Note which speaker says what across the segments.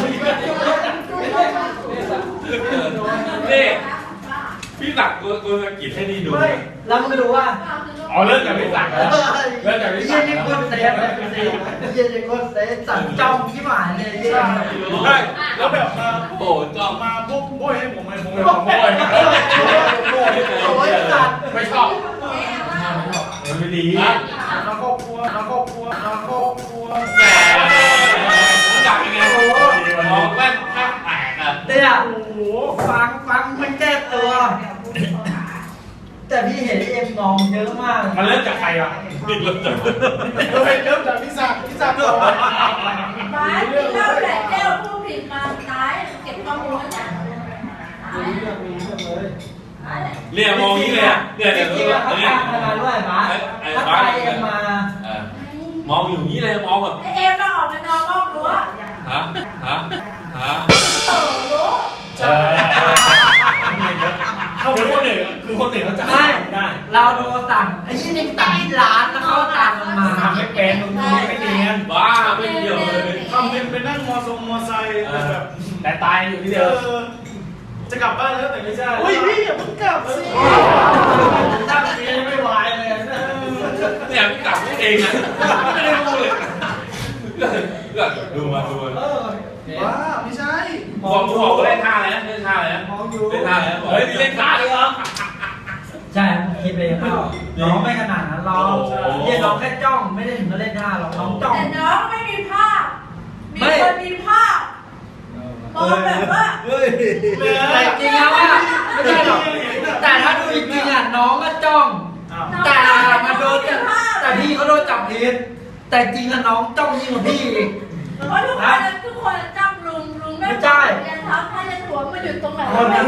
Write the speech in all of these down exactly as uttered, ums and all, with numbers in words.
Speaker 1: นี่พี่ตักกูกูสกิดให้นี่ดู
Speaker 2: แล้วมึงดูว่า
Speaker 1: อ๋อเริ่มจากพี่ตักแล้วเริ่มจากพี่ตัก
Speaker 2: ยี่นี่คนเซฟเลยยี่นี่คนเซฟสั่งจองที่หมายเลยยี่
Speaker 3: ใช่แล้วแบบมา
Speaker 1: โอ้จอม
Speaker 3: มาปุ๊บโบยให้ผมเลยผมเลยผมโบย
Speaker 2: โอ้ยสัตว์
Speaker 1: ไม่ชอบไม่ดี
Speaker 3: มาครอบครัวมาครอบครัวมาครอบครัว
Speaker 1: แหมอยากยังไงมองแว่นข้างแตกอ่ะ
Speaker 2: เนี่ยโอ้โหฟังฟังมันแก้ตัวแต่พี่เห็นเอ็มมองเยอะมาก
Speaker 3: มันเริ่มจากใครอ่ะ
Speaker 1: นี่เริ่มจาก
Speaker 3: เริ่มจากพิซซ่าพิซซ่าก่อน
Speaker 4: มาเริ่มแต่เจ้าผู้ผิดมาตายเก็บข้อมูลแล้วจ้ะ
Speaker 1: เรียกมองนี้เลยอ่ะเนี่ยเดี๋ยว
Speaker 2: เขาตามกันมาด้วยมาถ้าใครเอ็มม
Speaker 1: ามองอยู่นี้เลยมองแบบ
Speaker 4: เอ็มมาออกมานอนนอกรั้ว
Speaker 1: ฮะฮะฮะ
Speaker 4: โอ้โห
Speaker 3: ใช่เขาเป็นคนหนึ่งคือคนหนึ่งเขาจะ
Speaker 2: ได้ได้เราโดนสั่งไอ้ยี่นี่สั่งที่ร้านแล้วเขาตามกันมา
Speaker 3: ทำไม่เป็นตรงนี้ไม่เนียน
Speaker 1: บ้าไม่เกี่ยวเลย
Speaker 3: ทำเป็นเป็นนั่งมอทรงมอไซค์แบบ
Speaker 1: แต่ตายอยู่ที่เดิม
Speaker 3: จะกลับบ้านแล้วแต่ไม่ใช่เฮ้ยพี่อย่าเพิ่งกลับสิตั้งเมียไม่ไหวเลย
Speaker 1: เนี่ยพี่กลับพูดเองนะไม่ได้พูดเลยก็ดูมาดูมา
Speaker 3: ว้าไม่ใช่
Speaker 1: บอกบอกว่าเล่นท่าอะไรนะเล่นท่าอะไรนะเล่นท่าอะไรเฮ้ยเล่นท่าเลยเหรอ
Speaker 2: ใช่ผมคิดไปยังน้องไม่ขนาดนั้นเราเรียนน้องแค่จ้องไม่ได้ถึงกับเล่นท่าหรอกน้องจ้อง
Speaker 4: แต่น้องไม่มีภาพมีคนมีภาพมองแบบว่า
Speaker 2: แต่จริงแล้วว่าไม่ใช่หรอกแต่ถ้าดูจริงๆอ่ะน้องก็จ้องแต่มาโดนแต่พี่เขาโดนจับผิดแต่จริงอะน้องจ้องยิ่งกว่าพี่อีก
Speaker 4: เพราะทุกคนทุกคนจ้องลุงลุงไม่ใช่ยันเท้าถ้ายันหัวมาอยู่ตรงไหน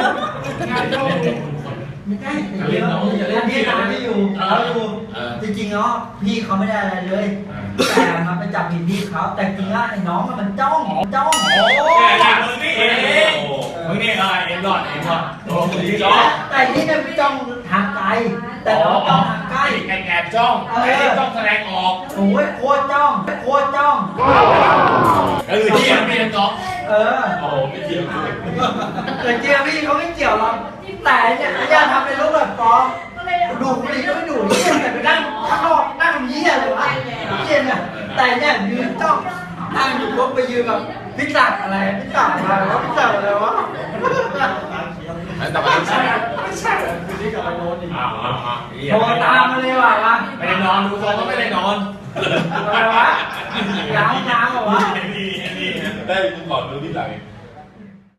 Speaker 2: ไม่ใช่เรียนน้องอย่าเล่นพี่น้องไม่อยู่เขาอยู่จริงๆเนาะพี่เขาไม่ได้อะไรเลยแต่มันไปจับผิดพี่เขาแต่จริงแล้วไอ้น้องมันจ้องจ้อง
Speaker 1: โอ้แกมึงนี่เองมึงนี่อะไรเอ็มหลอดเอ็มหลอดโอ้ยจ้อง
Speaker 2: แต่นี่เนี่ยจ้องทางไกลแต่น้องจ้องทางใกล้
Speaker 1: แอบแอบจ้องไม่ได้จ้องแสดงออก
Speaker 2: โอ้ยโคตรจ้องโคตรจ้อง
Speaker 1: เออที่ยังไม่ได้จ้อง
Speaker 2: เออ
Speaker 1: โอ้ไม่เกี่ยว
Speaker 2: แต่เจียพี่เขาไม่เกี่ยวหรอกแต่เนี่ยอย่าทำเป็นรูปแบบฟอมดูบุหรี่ก็ไม่ดูนี่แต่ไปนั่งข้างนอกนั่งเยี่ยเลยวะเยี่ยเนี่ยแต่เนี่ยยืนจ้องนั่งอยู่รถไปยืนกับพิจักอะไรพิจักอะไรวะพิจักอะไรวะ
Speaker 1: แต่ไม่ใช่
Speaker 3: ไม่ใช่คือที่กับไอ้โน้ตอีก
Speaker 2: โทรตามมาเลยว่ะวะ
Speaker 1: ไม่ได้นอนดูทรงก็ไม่ได้นอน
Speaker 2: อะไรวะล้างน้ำเหรอวะ
Speaker 1: นี่นี่ได้ดูก่อนดูที่หลัง